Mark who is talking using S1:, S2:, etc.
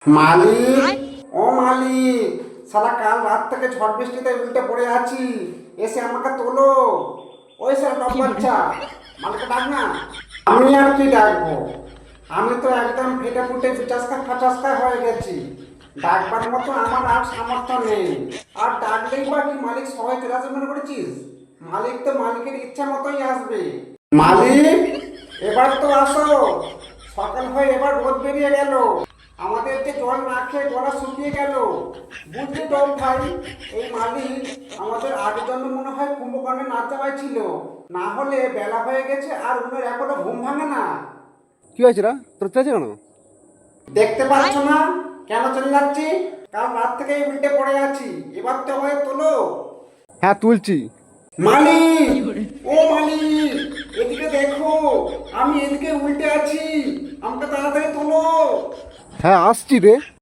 S1: মালিক, ও মালিক, সারা কাল রাত থেকে ঝড় বৃষ্টিতে উল্টে পড়ে আছি, এসে আমাকে তোলো। ওই স্যার টপ বাচ্চা, মালিককে ডাক না। আমি আর কি ডাকবো, আমি তো একদম ফেটে ফুটে বিচাসকা ফাচাসকা হয়ে গেছি। ডাকবার মতো আমার আর সামর্থ্য নেই। আর ডাকলেই বা কি মালিক সবাই চলে আসবে মনে করেছিস? মালিক তো মালিকের ইচ্ছা মতোই আসবে। মালিক, এবার তো আসো। সকাল হয়ে এবার রোদ বেরিয়ে গেল, আমাদের যে জল না খেয়ে গলা শুকিয়ে গেল। বুঝলি তো ভাই, এই মালিক আমাদের আগের জন্য মনে হয় কুম্ভকর্ণে না যাওয়াই ছিল। না হলে বেলা হয়ে গেছে আর উনার এখনো ঘুম ভাঙে না।
S2: কি হয়েছে রা তোর চেয়েছে কেন?
S1: দেখতে পাচ্ছ না কেন চলে যাচ্ছি? কাল রাত থেকে উল্টে পড়ে আছি, এবার তো আমায় তোলো।
S2: হ্যাঁ তুলছি।
S1: মালিক, ও মালিক, এদিকে দেখো, আমি এদিকে উল্টে আছি, আমাকে তাড়াতাড়ি তোলো।
S2: হ্যাঁ আসছি রে।